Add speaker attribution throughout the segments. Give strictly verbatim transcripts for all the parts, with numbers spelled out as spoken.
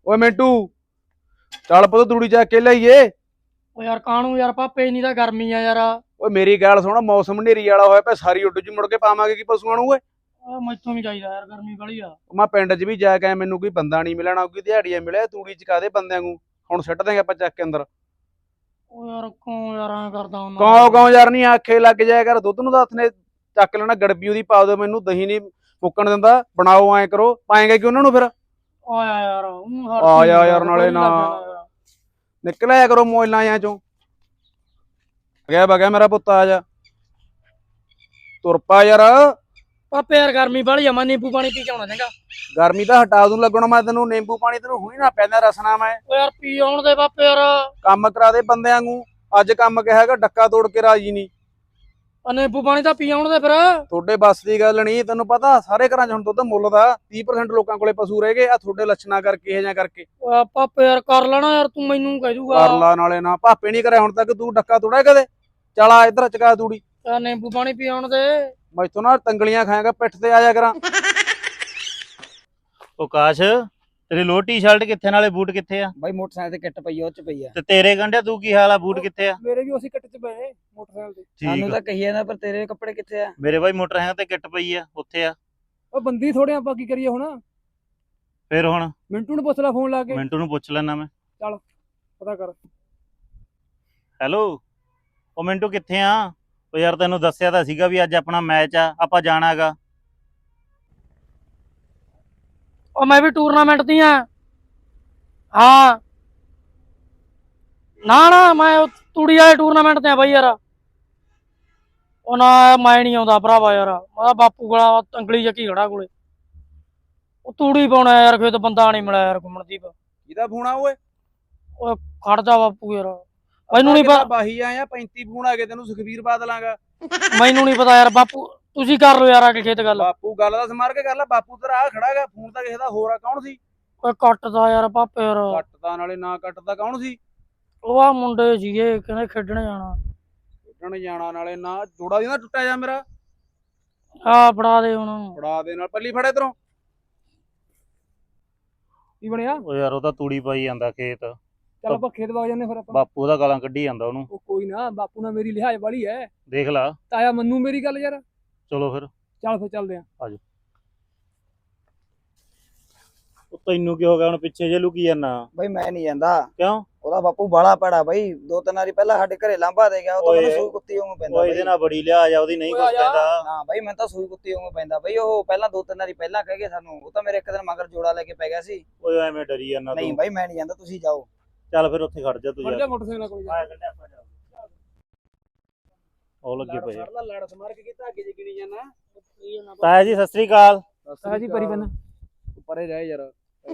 Speaker 1: ਓਏ ਮਿੰਟੂ ਚੱਲ ਪੁੱਤ ਤੂੜੀ ਚੱਕ ਕੇ ਲਿਆਈਏ।
Speaker 2: ਓ ਯਾਰ ਕਾਹਨੂੰ ਯਾਰ ਪਾਪੇ ਇੰਨੀ ਤਾਂ ਗਰਮੀ ਆ ਯਾਰ।
Speaker 1: ਓਏ ਮੇਰੀ ਗੱਲ ਸੁਣ, ਮੌਸਮ ਹਨੇਰੀ ਵਾਲਾ ਹੋਇਆ ਪਿਆ, ਸਾਰੀ ਉੱਡ ਜੀ ਮੁੜ ਕੇ ਪਾਵਾਂਗੇ ਕੀ ਪਸ਼ੂਆਂ ਨੂੰ ਓਏ।
Speaker 2: ਆ ਮੈਥੋਂ ਨਹੀਂ ਚਾਹੀਦਾ ਯਾਰ, ਗਰਮੀ ਬੜੀ ਆ।
Speaker 1: ਮੈਂ ਪਿੰਡ 'ਚ ਵੀ ਜਾ ਕੇ ਮੈਨੂੰ ਕੋਈ ਬੰਦਾ ਨਹੀਂ ਮਿਲਣਾ, ਕੋਈ ਦਿਹਾੜੀਆ ਮਿਲਿਆ ਤੂੜੀ ਚਕਾ ਦੇ ਬੰਦਿਆਂ ਨੂੰ। ਹੁਣ ਸਿੱਟ ਦੇਂਗੇ ਆਪਾਂ ਚੱਕ ਕੇ ਅੰਦਰ।
Speaker 2: ਓ ਯਾਰ ਕਿਉਂ ਯਾਰ ਐਂ ਕਰਦਾ ਹੁੰਦਾ।
Speaker 1: ਕੌਂ ਕੌਂ ਯਾਰ ਨਹੀਂ ਆਖੇ ਲੱਗ ਜਾਇਆ ਕਰ। ਦੁੱਧ ਨੂੰ ਤਾਂ ਹੱਥ ਨੇ ਚੱਕ ਲੈਣਾ, ਗੜਬੀ ਉਹਦੀ ਪਾ ਦਿਓ ਮੈਨੂੰ, ਦਹੀਂ ਨਹੀਂ ਮੁੱਕਣ ਦਿੰਦਾ। ਬਣਾਓ ਐਂ ਕਰੋ, ਪਾਏਗਾ ਕਿ ਉਹਨਾਂ ਨੂੰ ਫਿਰ।
Speaker 2: ਆਇਆ ਯਾਰ ਊਂ ਹਰ
Speaker 1: ਆ ਜਾ
Speaker 2: ਚੀਜ਼
Speaker 1: ਯਾਰ ਨਾਲੇ
Speaker 2: ਬੜੀ
Speaker 1: ਨਾ।
Speaker 2: ਲੱਗ ਜਾਂਦਾ ਯਾਰ।
Speaker 1: ਨਿਕਲਿਆ ਕਰੋ ਮੋਇਲਾਂ ਜਾਂ ਚੋਂ। ਗਿਆ ਬਗਿਆ ਮੇਰਾ ਪੁੱਤ, ਆ ਜਾ ਤੁਰ ਪਾ ਯਾਰ।
Speaker 2: ਪਾਪੇ ਯਾਰ ਗਰਮੀ ਬੜੀ ਆ, ਮੈਂ ਨਿੰਬੂ ਪਾਣੀ ਪੀ ਕੇ ਆਉਣਾ ਚੰਗਾ।
Speaker 1: ਗਰਮੀ ਤਾਂ ਹਟਾ ਦੂੰ ਲੱਗਣਾ ਮੈਂ ਤੈਨੂੰ। ਨਿੰਬੂ ਪਾਣੀ ਤੈਨੂੰ ਹੁਣੀ ਨਾ ਪੈਂਦਾ ਰਸਨਾ ਮੈਂ।
Speaker 2: ਓ ਯਾਰ ਪੀ ਆਉਣ ਦੇ ਪਾਪੇ ਯਾਰ।
Speaker 1: ਕੰਮ ਕਰਾ ਦੇ ਬੰਦਿਆਂ ਨੂੰ। ਅੱਜ ਕੰਮ ਕਿਹਾ ਹੈਗਾ, ਡੱਕਾ ਤੋੜ ਕੇ ਰਾਜੀ ਨਹੀਂ।
Speaker 2: ਆ ਨਿੰਬੂ ਪਾਣੀ ਤਾਂ ਪੀ ਆਉਣ ਦੇ ਫਿਰ।
Speaker 1: ਤੁਹਾਡੇ ਬੱਸ ਦੀ ਗੱਲ ਨਹੀਂ, ਤੈਨੂੰ ਪਤਾ ਸਾਰੇ ਘਰਾਂ 'ਚ ਹੁਣ ਦੁੱਧ ਮੁੱਲ ਦਾ। ਤੀਹ ਪ੍ਰਸੈਂਟ ਲੋਕਾਂ ਕੋਲੇ ਪਸ਼ੂ ਰਹਿ ਗਏ ਆ, ਤੁਹਾਡੇ ਲੱਛਣਾ ਕਰਕੇ ਇਹ ਜਾਂ ਕਰਕੇ।
Speaker 2: ਓ ਪਾਪੇ ਯਾਰ ਕਰ ਲੈਣਾ ਯਾਰ, ਤੂੰ ਮੈਨੂੰ ਕਹਿ ਦੂਗਾ।
Speaker 1: ਕਰ ਲਾ ਨਾਲੇ ਨਾ। ਭਾਪੇ ਨਹੀਂ ਕਰਿਆ ਹੁਣ ਤੱਕ, ਤੂੰ ਡੱਕਾ ਤੋੜਿਆ ਕਦੇ? ਚੱਲ ਆ ਇੱਧਰ ਚਕਾ ਤੂੜੀ।
Speaker 2: ਯਾਰ ਨਿੰਬੂ ਪਾਣੀ ਪੀ ਆਉਣ ਦੇ।
Speaker 1: ਮੈਥੋਂ ਨਾ ਤੰਗਲੀਆਂ ਖਾਏਗਾ, ਪਿੱਠ ਤੇ ਆ ਜਾ ਕਰਾਂ।
Speaker 3: ਉਹ ਕਾਸ਼, ਤੇਰੀ ਲੋਅਰ ਟੀ-ਸ਼ਰਟ ਕਿੱਥੇ, ਨਾਲੇ ਬੂਟ ਕਿੱਥੇ ਆ?
Speaker 4: ਬਾਈ ਮੋਟਰਸਾਈਕਲ ਤੇ ਕਿੱਟ ਪਈ ਆ, ਉਹ ਚ ਪਈ ਆ।
Speaker 3: ਤੇ ਤੇਰੇ ਗੰਢਿਆ ਤੂੰ ਕੀ ਹਾਲ ਆ, ਬੂਟ ਕਿੱਥੇ ਆ?
Speaker 2: ਮੇਰੇ ਵੀ ਉਸੇ ਕੱਟ ਚ ਪਏ ਮੋਟਰਸਾਈਕਲ ਤੇ।
Speaker 4: ਸਾਨੂੰ
Speaker 3: ਠੀਕ
Speaker 4: ਤਾਂ ਕਹੀ ਜਾਂਦਾ, ਪਰ ਤੇਰੇ ਕੱਪੜੇ ਕਿੱਥੇ ਆ?
Speaker 3: ਮੇਰੇ ਬਾਈ ਮੋਟਰ ਹੈਗਾ ਤੇ ਕਿੱਟ ਪਈ ਆ, ਉੱਥੇ ਆ।
Speaker 2: ਉਹ ਬੰਦੀ ਥੋੜੇ ਆਪਾਂ ਕੀ ਕਰੀਏ ਹੁਣ।
Speaker 3: ਫਿਰ ਹੁਣ
Speaker 2: ਮਿੰਟੂ ਨੂੰ ਪੁੱਛ ਲੈ ਫੋਨ ਲਾ ਕੇ,
Speaker 3: ਮਿੰਟੂ ਨੂੰ ਪੁੱਛ ਲੈਣਾ ਮੈਂ।
Speaker 2: ਪਤਾ ਕਰ।
Speaker 3: ਹੈਲੋ, ਉਹ ਮਿੰਟੂ ਕਿੱਥੇ ਆ? ਉਹ ਯਾਰ ਤੈਨੂੰ ਦੱਸਿਆ ਤਾਂ ਸੀਗਾ ਵੀ ਅੱਜ ਆਪਣਾ ਮੈਚ ਆ, ਆਪਾਂ ਜਾਣਾ ਹੈਗਾ।
Speaker 2: ਉਹ ਮੈਂ ਵੀ ਟੂਰਨਾਮੈਂਟ ਦੀ ਆ। ਹਾਂ ਨਾ ਨਾ, ਮੈਂ ਉਹ ਤੂੜੀ ਵਾਲੇ ਟੂਰਨਾਮੈਂਟ ਤੇ ਆ ਬਾਈ ਯਾਰ। ਉਹ ਨਾ ਮੈਂ ਨਹੀਂ ਆਉਂਦਾ ਭਰਾਵਾ ਯਾਰ, ਮੈਂ ਬਾਪੂ ਕੋਲ ਅੰਗਲੀ ਚੱਕੀ ਖੜਾ ਕੋਲੇ। ਉਹ ਤੂੜੀ ਪਾਉਣਾ ਯਾਰ, ਖੇਤ ਬੰਦਾ ਨਹੀਂ ਮਿਲਿਆ ਯਾਰ ਘੁੰਮਣਦੀਪ।
Speaker 1: ਕਿਹਦਾ ਫੋਨ ਆ ਓਏ?
Speaker 2: ਓਏ ਖੜ ਜਾ ਬਾਪੂ ਯਾਰ, ਮੈਨੂੰ ਨਹੀਂ ਪਤਾ।
Speaker 1: ਬਾਹੀ ਆਇਆ ਪੈਂਤੀ ਫੋਨ ਆ ਗਏ ਤੈਨੂੰ, ਸੁਖਵੀਰ ਬਾਦਲਾਂਗਾ।
Speaker 2: ਮੈਨੂੰ ਨਹੀਂ ਪਤਾ ਯਾਰ ਬਾਪੂ, ਤੁਸੀਂ ਕਰ ਲਓ ਯਾਰ ਆ ਕੇ ਖੇਤ ਗੱਲ।
Speaker 1: ਬਾਪੂ ਗੱਲ ਦਾ ਸਮਾਰ ਕੇ ਕਰ ਲੈ। ਬਾਪੂ ਤੇਰਾ ਆ ਖੜਾ ਹੈਗਾ, ਫੋਨ ਤਾਂ ਕਿਸੇ ਦਾ ਹੋਰ ਆ। ਕੌਣ ਸੀ?
Speaker 2: ਓਏ ਕੱਟਦਾ ਯਾਰ ਪਾਪੇ ਯਾਰ।
Speaker 1: ਕੱਟਦਾ ਨਾਲੇ ਨਾ ਕੱਟਦਾ, ਕੌਣ ਸੀ?
Speaker 2: ਉਹ ਆ ਮੁੰਡੇ ਸੀਗੇ, ਕਹਿੰਦੇ ਖੇਡਣ ਜਾਣਾ।
Speaker 1: ਖੇਡਣ ਜਾਣਾ ਨਾਲੇ ਨਾ। ਜੋੜਾ ਦੀ ਨਾ ਟੁੱਟਿਆ ਜਾ ਮੇਰਾ।
Speaker 2: ਆ ਫੜਾ ਦੇ ਹੁਣ।
Speaker 1: ਫੜਾ ਦੇ ਨਾਲ, ਪੱਲੀ ਫੜੇ ਇਧਰੋਂ।
Speaker 2: ਕੀ ਬਣਿਆ?
Speaker 3: ਉਹ ਯਾਰ ਉਹ ਤਾਂ ਤੂੜੀ ਪਾਈ ਜਾਂਦਾ ਖੇਤ।
Speaker 2: ਚੱਲ ਆਪਾਂ ਖੇਤ ਵਗ ਜਾਂਦੇ ਫਿਰ ਆਪਾਂ।
Speaker 3: ਬਾਪੂ ਉਹਦਾ ਗਾਲਾਂ ਕੱਢੀ ਜਾਂਦਾ ਉਹਨੂੰ।
Speaker 2: ਉਹ ਕੋਈ ਨਾ, ਬਾਪੂ ਨਾਲ ਮੇਰੀ ਲਿਹਾਜ਼ ਵਾਲੀ ਐ।
Speaker 3: ਦੇਖ ਲਾ।
Speaker 2: ਤਾਇਆ ਮੰਨੂ ਮੇਰੀ ਗੱਲ ਯਾਰ।
Speaker 3: ਚਲੋ ਫਿਰ।
Speaker 2: ਚੱਲ ਫਿਰ ਚੱਲਦੇ ਆਂ।
Speaker 3: ਉਹ ਤੈਨੂੰ ਕੀ ਹੋ ਗਿਆ ਹੁਣ, ਪਿੱਛੇ ਜੇ ਲੁਕੀ ਜਾਂਦਾ?
Speaker 4: ਬਾਈ ਮੈਂ ਨਹੀਂ ਜਾਂਦਾ।
Speaker 3: ਕਿਉਂ?
Speaker 4: ਉਹਦਾ ਬਾਪੂ ਬਾਲਾ ਪੜਾ ਬਾਈ, ਦੋ ਤਿੰਨ ਵਾਰੀ ਪਹਿਲਾਂ ਸਾਡੇ ਘਰੇ ਲਾਂਭਾ ਦੇ ਗਿਆ, ਉਹ ਤਾਂ
Speaker 3: ਓਏ।
Speaker 4: ਮੈਨੂੰ ਸੂਈ ਕੁੱਤੀ ਵਾਂਗੂ ਪੈਂਦਾ
Speaker 3: ਉਹ ਇਹਦੇ
Speaker 4: ਬਾਈ।
Speaker 3: ਨਾਲ ਬੜੀ ਲਿਹਾਜ਼ ਆ ਉਹਦੀ, ਨਹੀਂ ਕੁਛ ਕਹਿੰਦਾ।
Speaker 4: ਹਾਂ ਬਾਈ ਮੈਂ ਤਾਂ ਸੂਈ ਕੁੱਤੀ ਵਾਂਗੂ ਪੈਂਦਾ ਬਾਈ। ਉਹ ਪਹਿਲਾਂ ਦੋ ਤਿੰਨ ਵਾਰੀ ਪਹਿਲਾਂ ਕਹਿ ਗਏ ਸਾਨੂੰ, ਉਹ ਤਾਂ ਮੇਰੇ ਇੱਕ ਦਿਨ ਮਗਰ ਜੋੜਾ ਲੈ ਕੇ ਪੈ ਗਿਆ ਸੀ।
Speaker 3: ਓਏ ਐਵੇਂ ਡਰੀ ਜਾਂਦਾ
Speaker 4: ਨਹੀਂ
Speaker 3: ਤੂੰ।
Speaker 4: ਬਾਈ ਮੈਂ ਨਹੀਂ ਜਾਂਦਾ, ਤੁਸੀਂ ਜਾਓ।
Speaker 3: ਚੱਲ ਫਿਰ ਉੱਥੇ ਖੜ ਜਾ ਤੂੰ ਯਾਰ।
Speaker 2: ਮੋਟਰਸਾਈਕਲ ਕੋਲ
Speaker 3: ਆਇਆ ਕੱਢਿਆ ਆਪਾਂ ਜਾ। ਉਹ ਲੱਗੇ ਪਏ ਆ।
Speaker 1: ਲੜ ਲੜ ਸਮਾਰ ਕੇ ਕੀਤਾ, ਅੱਗੇ ਜਿਗਣੀ ਜਾਣਾ।
Speaker 3: ਤਾਇਆ ਜੀ ਸਤਿ ਸ੍ਰੀ ਅਕਾਲ।
Speaker 2: ਤਾਇਆ ਜੀ ਪਰੀ ਬੰਨ।
Speaker 1: ਪਰੇ ਰਹਿ ਯਾਰ।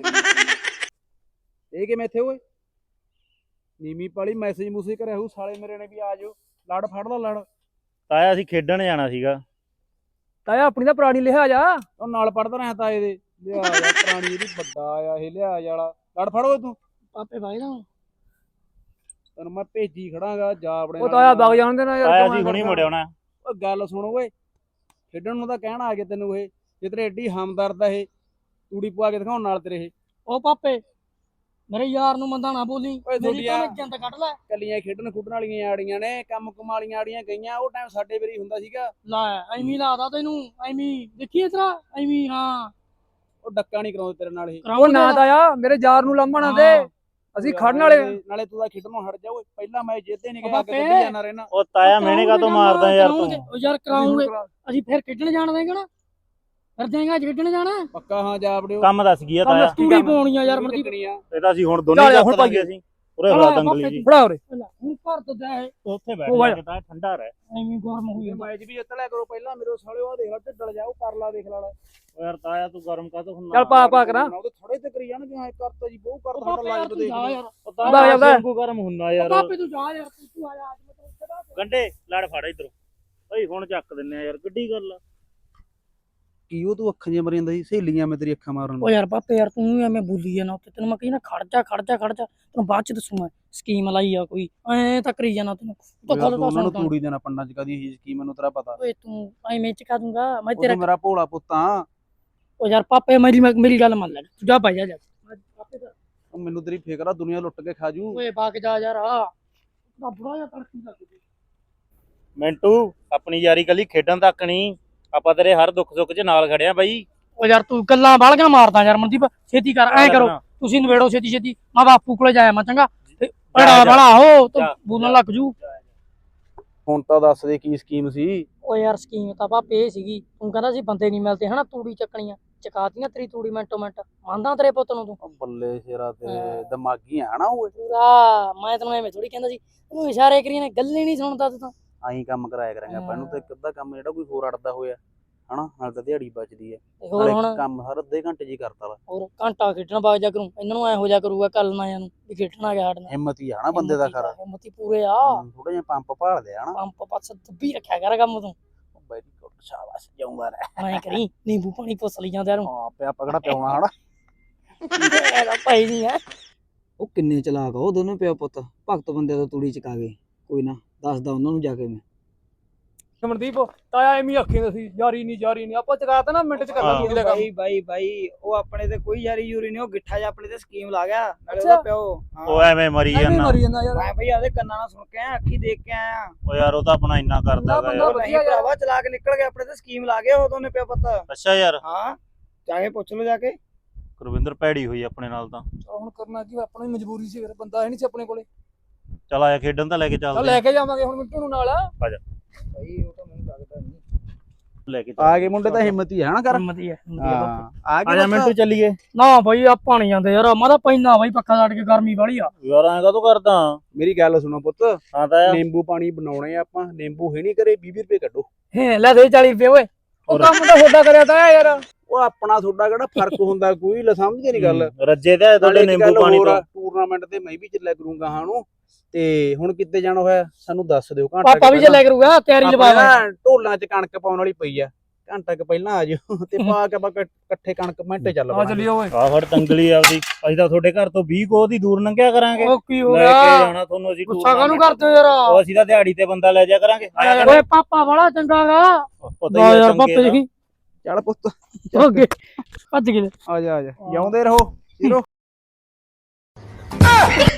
Speaker 1: ਇਹ ਕਿਵੇਂ ਇੱਥੇ ਓਏ? ਨੀਮੀ ਪਾਲੀ ਮੈਸੇਜ ਮੂਸੇਜ ਕਰਿਆ ਹੋਊ ਸਾਲੇ ਮੇਰੇ ਨੇ ਵੀ ਆ ਜਾਓ। ਲੜ ਫੜ ਲਾ ਲੜ।
Speaker 3: ਤਾਇਆ ਅਸੀਂ ਖੇਡਣ ਜਾਣਾ ਸੀਗਾ।
Speaker 2: ਤਾਇਆ ਆਪਣੀ ਤਾਂ ਪੁਰਾਣੀ ਲਿਹਾਜ਼ ਆ।
Speaker 1: ਉਹ ਨਾਲ ਪੜਦਾ ਰਿਹਾ ਤਾਏ ਦੇ। ਲਿਆ ਯਾਰ ਪੁਰਾਣੀ ਇਹਦੀ ਵੱਡਾ ਆ ਇਹ ਲਿਹਾਜ਼ ਵਾਲਾ। ਲੜ ਫੜ ਓਏ ਤੂੰ।
Speaker 2: ਪਾਪੇ ਭਾਈ ਨਾ
Speaker 1: ਤੈਨੂੰ ਮੈਂ ਭੇਜੀ ਖੜਾਂਗਾ ਜਾ ਆਪਣੇ
Speaker 2: ਉਹ
Speaker 1: ਨਾਲ।
Speaker 2: ਤਾਇਆ ਵਗ ਜਾਣ ਦੇ ਨਾ ਯਾਰ।
Speaker 3: ਤਾਇਆ ਅਸੀਂ ਹੁਣੀ ਮੁੜਿਆ ਹੋਣਾ।
Speaker 1: ਓਏ ਗੱਲ ਸੁਣ ਓਏ, ਖੇਡਣ ਨੂੰ ਤਾਂ ਕਹਿਣਾ ਆ ਗਿਆ ਤੈਨੂੰ ਇਹ। ਜੇ ਤੇਰੇ ਐਡੀ ਹਮਦਰਦ ਆ ਇਹ, ਤੂੜੀ ਪਵਾ ਕੇ ਦਿਖਾਉਣ ਨਾਲ ਤੇਰੇ ਇਹ।
Speaker 2: ਉਹ ਪਾਪੇ ਮੇਰੇ ਯਾਰ ਨੂੰ ਮੰਦਾ ਨਾ ਬੋਲੀ।
Speaker 1: ਓਏ
Speaker 2: ਮੇਰੀ
Speaker 1: ਦੁਨੀਆ
Speaker 2: ਤਾਂ ਜੰਦ ਕੱਢ ਲੈ।
Speaker 1: ਕੱਲੀਆਂ ਖੇਡਣ ਖੁੱਡਣ ਵਾਲੀਆਂ ਆੜੀਆਂ ਨੇ, ਕੰਮ ਕੁਮਾਲੀਆਂ ਆੜੀਆਂ ਗਈਆਂ। ਉਹ ਟਾਈਮ ਸਾਡੇ ਵੇਰੀ ਹੁੰਦਾ ਸੀਗਾ।
Speaker 2: ਲੈ ਐਵੇਂ ਲਾਦਾ ਤੈਨੂੰ, ਐਵੇਂ ਦੇਖੀ ਇਤਰਾ ਐਵੇਂ। ਹਾਂ
Speaker 1: ਉਹ ਡੱਕਾ ਨਹੀਂ ਕਰਾਉਂਦੇ ਤੇਰੇ ਨਾਲ ਇਹ।
Speaker 2: ਉਹ ਨਾ ਤਾਇਆ ਮੇਰੇ ਯਾਰ ਨੂੰ ਲਾਂਭਣਾ ਦੇ, ਅਸੀਂ ਖੜਨ ਵਾਲੇ।
Speaker 1: ਨਾਲੇ ਤੂੰ ਤਾਂ ਖੇਡਣੋਂ ਹਟ ਜਾ ਓਏ। ਪਹਿਲਾਂ ਮੈਂ ਜਿੱਤੇ ਨਹੀਂ ਗਿਆ,
Speaker 2: ਬਾਪੇ।
Speaker 1: ਗੱਡੀ ਜਾਣਾ ਰਹਿਣਾ।
Speaker 3: ਉਹ ਤਾਇਆ ਮਿਹਣੇ ਕਾ ਤੋਂ ਮਾਰਦਾ ਯਾਰ ਤੂੰ?
Speaker 2: ਉਹ ਯਾਰ ਕਰਾਉਂਗੇ ਅਸੀਂ, ਫਿਰ ਖੇਡਣ ਜਾਣ ਦੇਂਗੇ ਨਾ। ਫਿਰ ਦੇਂਗਾ ਅੱਜ ਖੇਡਣ ਜਾਣਾ।
Speaker 1: ਪੱਕਾ ਹਾਂ ਜਾ ਵੜਿਓ।
Speaker 3: ਕੰਮ ਦੱਸ ਗਿਆ ਤਾਇਆ।
Speaker 2: ਤੂੜੀ ਪਾਉਣੀ ਆ ਯਾਰ ਮਰਦੀ।
Speaker 3: ਇਹ ਤਾਂ ਅਸੀਂ ਹੁਣ ਦੋਨੇ ਚੱਕ ਦਾਂਗੇ ਅਸੀਂ। ਉਰੇ ਫੜਾ ਦੰਗਲੀ ਜੀ।
Speaker 2: ਫੜਾ ਉਰੇ ਹੁਣ ਘਰ ਤੋਂ ਜਾ ਇਹ
Speaker 3: ਉੱਥੇ ਬੈਠ ਜਾ, ਤਾਂ ਠੰਡਾ ਰਹਿ।
Speaker 2: ਐਵੇਂ ਗਰਮ ਹੋਈ ਜਾਂਦਾ।
Speaker 1: ਮੈਚ ਵੀ ਜਿੱਤ ਲਿਆ ਕਰੋ ਪਹਿਲਾਂ ਮੇਰੇ ਸਾਲਿਓ। ਆ ਦੇਖ ਲੈ ਢਿੱਡਲ ਜਾ, ਉਹ ਕਰ ਲਾ ਦੇਖ ਲਾ।
Speaker 3: ਓ ਯਾਰ ਤਾਇਆ ਤੂੰ ਗਰਮ ਕਾ ਤੋਂ ਹੁੰਦਾ?
Speaker 2: ਚੱਲ ਪਾ ਪਾ ਕਰਾਂ।
Speaker 1: ਉਹਦੇ ਥੋੜੇ ਤੇ ਕਰੀ ਜਾਣਗੇ। ਹਾਂ ਕਰਤਾ ਜੀ ਬਹੁਤ ਕਰ
Speaker 2: ਉਹ
Speaker 1: ਤੁਹਾਡਾ
Speaker 2: ਪਾਪੇ
Speaker 1: ਲਾਈਵ
Speaker 2: ਯਾਰ ਤੂੰ
Speaker 1: ਦੇਖ
Speaker 2: ਜਾ ਯਾਰ।
Speaker 3: ਉਹ ਤਾਇਆ ਵਾਂਗੂ ਗਰਮ ਹੁੰਦਾ ਯਾਰ।
Speaker 2: ਪਾਪੇ ਤੂੰ ਜਾ ਯਾਰ, ਤੂੰ ਆ ਜਾ ਅੱਜ ਮੈਂ ਤੈਨੂੰ ਚੜਾ ਦੇ।
Speaker 3: ਗੰਡੇ ਲੜ ਫੜ ਇਧਰੋਂ। ਓਏ ਹੁਣ ਚੱਕ ਦਿੰਨੇ ਆ ਯਾਰ, ਗੱਡੀ ਗੱਲ ਆ।
Speaker 1: ਕੀ ਉਹ ਤੂੰ ਅੱਖਾਂ ਜਿਹਾ ਮਰੀ ਜਾਂਦਾ ਸੀ? ਸਹੇਲੀਆਂ ਮੈਂ ਤੇਰੀ ਅੱਖਾਂ ਮਾਰਨ
Speaker 2: ਓ ਯਾਰ ਪਾਪੇ ਯਾਰ ਤੂੰ ਐਵੇਂ ਬੋਲੀ ਜਾਣਾ ਉੱਤੇ। ਤੈਨੂੰ ਮੈਂ ਕਹੀ ਨਾ ਖੜ ਜਾ ਖੜ ਜਾ ਖੜ ਜਾ, ਤੈਨੂੰ ਬਾਅਦ ਚ ਦੱਸੂ ਮੈਂ ਸਕੀਮ ਲਾਈ ਆ ਕੋਈ। ਐ ਤਾਂ ਕਰੀ ਜਾਣਾ ਤੈਨੂੰ।
Speaker 1: ਉਹਨਾਂ ਨੂੰ ਤੂੜੀ ਦੇਣਾ ਪੰਡਾਂ ਚ ਕਦੀ ਹੀ ਸਕੀਮ ਮੈਨੂੰ ਤੇਰਾ ਪਤਾ।
Speaker 2: ਓਏ ਤੂੰ ਐਵੇਂ ਚਕਾ ਦੂੰਗਾ ਮੈਂ
Speaker 1: ਉਹ
Speaker 2: ਤੇਰਾ।
Speaker 1: ਤੂੰ ਮੇਰਾ ਭੋਲਾ ਪੁੱਤਾਂ।
Speaker 2: ਓ ਯਾਰ ਪਾਪੇ ਮੇਰੀ ਮੇਰੀ ਗੱਲ ਮੰਨ ਲੈ, ਤੂੰ ਜਾ ਭਾਈ ਜਾ ਜਾ।
Speaker 1: ਉਹ ਮੈਨੂੰ ਤੇਰੀ ਫਿਕਰ ਆ, ਦੁਨੀਆ ਲੁੱਟ ਕੇ ਖਾ ਜੂ।
Speaker 2: ਓਏ ਬਾਗ ਜਾ ਯਾਰ ਆ ਬੁੜਾ ਜਿਹਾ ਤੜਕੀ ਲੱਗ ਗਈ।
Speaker 3: ਮਿੰਟੂ ਆਪਣੀ ਯਾਰੀ ਕੱਲੀ ਖੇਡਣ ਤੱਕ ਨਹੀਂ, ਆਪਾਂ ਤੇਰੇ ਹਰ ਦੁੱਖ ਸੁੱਖ 'ਚ ਨਾਲ ਖੜਿਆ ਬਾਈ।
Speaker 2: ਓ ਯਾਰ ਤੂੰ ਗੱਲਾਂ ਬਾਲਗਾਂ ਮਾਰਦਾ ਯਾਰ ਮਨਦੀਪ, ਛੇਤੀ ਕਰ ਐ ਕਰੋ ਤੁਸੀਂ ਨਵੇੜੋ ਛੇਤੀ ਛੇਤੀ, ਮੈਂ ਬਾਪੂ ਕੋਲੇ ਜਾਇਆ ਮੈਂ ਚੰਗਾ ਤੇ ਬੜਾ ਬੜਾ ਹੋ ਤੂੰ ਬੋਲਣ ਲੱਗ ਜੂ।
Speaker 1: ਹੁਣ ਤਾਂ ਦੱਸ ਦੇ ਕੀ ਸਕੀਮ ਸੀ।
Speaker 2: ਓ ਯਾਰ ਸਕੀਮ ਤਾਂ ਪਾਪੇ ਇਹ ਸੀਗੀ, ਤੂੰ ਕਹਿੰਦਾ ਸੀ ਬੰਦੇ ਨਹੀਂ ਮਿਲਦੇ ਹਨਾ, ਤੂੜੀ ਚੱਕਣੀਆਂ ਚਕਾਤੀਆਂ ਤੇਰੀ ਤੂੜੀ ਮਿੰਟੋ ਮਿੰਟ, ਮੰਨਦਾ ਤੇਰੇ ਪੁੱਤ ਨੂੰ ਤੂੰ?
Speaker 1: ਉਹ ਬੱਲੇ ਸ਼ੇਰਾ ਤੇਰੇ ਦਿਮਾਗੀ ਆ ਨਾ ਓਏ।
Speaker 2: ਪੂਰਾ ਮੈਂ ਤੈਨੂੰ ਐਵੇਂ ਥੋੜੀ ਕਹਿੰਦਾ ਸੀ, ਤੈਨੂੰ ਇਸ਼ਾਰੇ ਕਰੀ ਨੇ, ਗੱਲ ਹੀ ਨਹੀਂ ਸੁਣਦਾ ਤੂੰ ਤਾਂ।
Speaker 1: ਆਹੀਂ ਕੰਮ ਕਰਾਇਆ ਕਰਾਂਗੇ ਆਪਾਂ ਇਹਨੂੰ, ਤੇ ਇੱਕ ਅੱਧਾ ਕੰਮ ਜਿਹੜਾ ਕੋਈ ਹੋਰ ਅੜਦਾ ਹੋਇਆ ਹਨਾ, ਨਾਲ ਤਾਂ ਦਿਹਾੜੀ ਬਚਦੀ ਹੈ।
Speaker 2: ਤੇ ਹੋਰ ਹੁਣ
Speaker 1: ਕੰਮ ਹਰ ਅੱਧੇ ਘੰਟੇ ਜੀ ਕਰਤਾ ਵਾ।
Speaker 2: ਹੋਰ ਘੰਟਾ ਖੇਡਣ ਬਾਗ ਜਾ ਕਰੂੰ, ਇਹਨਾਂ ਨੂੰ ਐ ਹੋ ਜਾ ਕਰੂਗਾ ਕੱਲ ਨਾ ਨੂੰ ਵੀ ਖੇਡਣ ਆ ਗਿਆ ਸਾਡੇ ਨਾਲ।
Speaker 1: ਹਿੰਮਤ ਹੀ ਆ ਨਾ ਬੰਦੇ ਦਾ ਖਰਾ,
Speaker 2: ਹਿੰਮਤੀ ਪੂਰੇ ਆ,
Speaker 1: ਥੋੜਾ ਜਿਹਾ ਪੰਪ ਭਾਲਦੇ ਆ ਨਾ।
Speaker 2: ਪੰਪ ਪਾਸ ਦੱਬੀ ਰੱਖਿਆ ਕਰ ਕੰਮ ਤੂੰ।
Speaker 1: ਵੈਰੀ ਗੁੱਡ, ਸ਼ਾਬਾਸ਼, ਜਾਊਂਗਾ ਰਹਿ।
Speaker 2: ਐ ਕਰੀ ਨਿੰਬੂ ਪਾਣੀ ਪੁੱਛ ਲਈ ਜਾਂਦੇ ਨੂੰ।
Speaker 1: ਹਾਂ ਪਿਆ ਪਕੜਾ ਪਿਆਉਣਾ ਹਨਾ।
Speaker 2: ਇਹਦਾ ਭਾਈ ਨਹੀਂ ਹੈ।
Speaker 4: ਉਹ ਕਿੰਨੇ ਚਲਾਕ ਆ ਉਹ ਦੋਨੋਂ ਪਿਓ ਪੁੱਤ, ਭਗਤ ਬੰਦੇ ਤੋਂ ਤੂੜੀ ਚਕਾ ਗਏ। ਕੋਈ ਨਾ ਦੱਸਦਾ ਉਹਨਾਂ ਨੂੰ ਜਾ ਕੇ ਮੈਂ।
Speaker 2: ਮਨਦੀਪ ਤਾਇਆ ਐਵੇਂ ਆਖੀਂਦਾ ਸੀ ਯਾਰੀ ਨਹੀਂ ਯਾਰੀ ਨਹੀਂ, ਆਪਾਂ ਚਕਾਤਾ ਨਾ ਮਿੰਟ ਚ ਕਰ ਲਾਂ ਤੂੜੀ ਦਾ ਕੰਮ।
Speaker 4: ਬਾਈ ਬਾਈ ਬਾਈ ਉਹ ਆਪਣੇ ਤੇ ਕੋਈ ਯਾਰੀ ਯੂਰੀ ਨਹੀਂ, ਉਹ ਗਿੱਠਾ ਜਿਹਾ ਆਪਣੇ ਤੇ ਸਕੀਮ ਲਾ ਗਿਆ ਨਾਲੇ
Speaker 2: ਅੱਛਾ।
Speaker 4: ਉਹਦਾ ਪਿਓ।
Speaker 3: ਉਹ ਐਵੇਂ ਮਰੀ
Speaker 2: ਐਵੇਂ
Speaker 3: ਜਾਂਦਾ।
Speaker 2: ਮਰੀ ਜਾਂਦਾ ਯਾਰ।
Speaker 4: ਮੈਂ ਬਈ ਆਦੇ ਕੰਨਾਂ ਨਾਲ ਸੁਣ ਕੇ ਆਇਆ, ਅੱਖੀ ਦੇਖ ਕੇ ਆਇਆ।
Speaker 3: ਉਹ ਯਾਰ ਉਹ ਤਾਂ ਆਪਣਾ ਇੰਨਾ ਕਰਦਾ ਗਾ
Speaker 2: ਬੰਦਾ
Speaker 3: ਯਾਰ।
Speaker 4: ਉਹ ਨਹੀਂ ਭਰਾਵਾ ਚਲਾ ਕੇ ਨਿਕਲ ਗਿਆ, ਆਪਣੇ ਤੇ ਸਕੀਮ ਲਾ ਗਿਆ ਉਹ ਦੋਨੇ ਪਿਓ ਪੁੱਤ।
Speaker 3: ਅੱਛਾ ਯਾਰ
Speaker 4: ਹਾਂ ਚਾਹੇ ਪੁੱਛ ਲਓ ਜਾ ਕੇ।
Speaker 3: ਗੁਰਵਿੰਦਰ ਭੈੜੀ ਹੋਈ ਆਪਣੇ ਨਾਲ ਤਾਂ।
Speaker 2: ਹੁਣ ਕਰਨਾ ਕੀ, ਆਪਣੀ ਮਜਬੂਰੀ ਸੀ, ਫਿਰ ਬੰਦਾ ਹੈ ਨਹੀਂ ਸੀ ਆਪਣੇ ਕੋਲੇ।
Speaker 3: ਚੱਲ ਆਇਆ ਖੇਡਣ ਤਾਂ ਲੈ ਕੇ ਚੱਲਦੇ
Speaker 2: ਲੈ ਕੇ ਜਾਵਾਂਗੇ ਹੁਣ ਮਿੰਟੂ ਨੂੰ ਨਾਲ।
Speaker 3: ਆ ਜਾ
Speaker 4: ਬਈ ਉਹ ਤਾਂ ਮੈਨੂੰ ਲੱਗਦਾ ਨਹੀਂ।
Speaker 3: ਲੈ ਕੇ
Speaker 1: ਆ ਗਏ ਮੁੰਡੇ ਤਾਂ ਹਿੰਮਤ ਹੀ ਆ ਨਾ ਕਰ।
Speaker 2: ਹਿੰਮਤੀ ਹੈ
Speaker 1: ਹਾਂ ਆ
Speaker 3: ਆ ਜਾ ਮਿੰਟੂ ਚੱਲੀਏ।
Speaker 2: ਨਾ ਬਾਈ ਆਪਾਂ ਨਹੀਂ ਜਾਂਦੇ ਯਾਰ, ਮੈਂ ਤਾਂ ਪੈਣਾ ਬਾਈ ਪੱਖਾ ਛੱਡ ਕੇ, ਗਰਮੀ ਵਾਲੀ ਆ।
Speaker 3: ਯਾਰ ਐਂ ਕਾਹਤੋਂ ਕਰਦਾ?
Speaker 1: ਮੇਰੀ ਗੱਲ ਸੁਣੋ ਪੁੱਤ,
Speaker 3: ਹਾਂ ਤਾਂ
Speaker 1: ਨਿੰਬੂ ਪਾਣੀ ਬਣਾਉਣੇ ਆ ਆਪਾਂ, ਨਿੰਬੂ ਹੈ ਨਹੀਂ ਕਰੇ, ਵੀਹ ਵੀਹ ਰੁਪਏ ਕੱਢੋ।
Speaker 2: ਹੈ ਲੈ ਦੇ ਚਾਲੀ ਰੁਪਏ ਓਏ, ਉਹ ਕੰਮ ਤਾਂ ਤੁਹਾਡਾ ਕਰਿਆ ਤਾਂ ਯਾਰ।
Speaker 1: ਉਹ ਆਪਣਾ ਤੁਹਾਡਾ ਕਿਹੜਾ ਫਰਕ ਹੁੰਦਾ ਕੋਈ, ਲੈ ਸਮਝਦੇ ਨਹੀਂ ਗੱਲ।
Speaker 3: ਰੱਜੇ ਤੇ ਤੁਹਾਡੇ ਨਿੰਬੂ ਪਾਣੀ ਤੋਂ।
Speaker 1: ਟੂਰਨਾਮੈਂਟ ਤੇ ਮੈਂ ਵੀ ਚੱਲਿਆ ਕਰੂੰਗਾ ਹਾਂ ਨੂੰ, ਤੇ ਹੁਣ ਕਿੱਥੇ ਜਾਣਾ ਹੋਇਆ ਸਾਨੂੰ ਦੱਸ ਦਿਓ। ਘੰਟਾ
Speaker 2: ਪਾਪਾ ਵੀ ਚੱਲਿਆ ਕਰੂਗਾ, ਤਿਆਰੀ ਲਵਾਵਾਂ।
Speaker 1: ਢੋਲਾਂ 'ਚ ਕਣਕ ਪਾਉਣ ਵਾਲੀ ਪਈ ਆ, ਘੰਟਾ ਕੁ ਪਹਿਲਾਂ ਆ ਜਿਓ ਤੇ ਪਾ ਕੇ ਆਪਾਂ ਇਕੱਠੇ ਕਣਕ ਮਿੰਟੇ ਚੱਲ
Speaker 2: ਆ ਚੱਲੀਏ ਓਏ।
Speaker 3: ਆ ਫੜ ਤੰਗਲੀ ਆਪਦੀ, ਅਸੀਂ ਤਾਂ ਤੁਹਾਡੇ ਘਰ ਤੋਂ ਵੀਹ ਕੋਹ ਦੀ ਦੂਰ ਲੰਘਿਆ ਕਰਾਂਗੇ।
Speaker 2: ਉਹ ਕੀ ਹੋ
Speaker 3: ਲੈ ਕੇ
Speaker 2: ਗਿਆ,
Speaker 3: ਜਾਣਾ ਤੁਹਾਨੂੰ ਅਸੀਂ।
Speaker 2: ਗੁੱਸਾ ਕਾਹਨੂੰ ਕਰਦੇ ਹੋ ਯਾਰ?
Speaker 3: ਉਹ ਅਸੀਂ ਤਾਂ ਦਿਹਾੜੀ ਤੇ ਬੰਦਾ ਲੈ ਜਾ ਕਰਾਂਗੇ। ਆਇਆ
Speaker 2: ਓਏ ਪਾਪਾ ਬੜਾ ਚੰਗਾ ਗਾ।
Speaker 3: ਪਤਾ ਹੀ
Speaker 2: ਯਾਰ ਪਾਪੇ ਦੇਖੀ
Speaker 1: ਚੱਲ ਪੁੱਤ
Speaker 2: ਓਕੇ ਭੱਜ ਗਏ।
Speaker 1: ਆ ਜਾ ਆ ਜਾ, ਜਿਉਂਦੇ ਰਹੋ ਹੀਰੋ।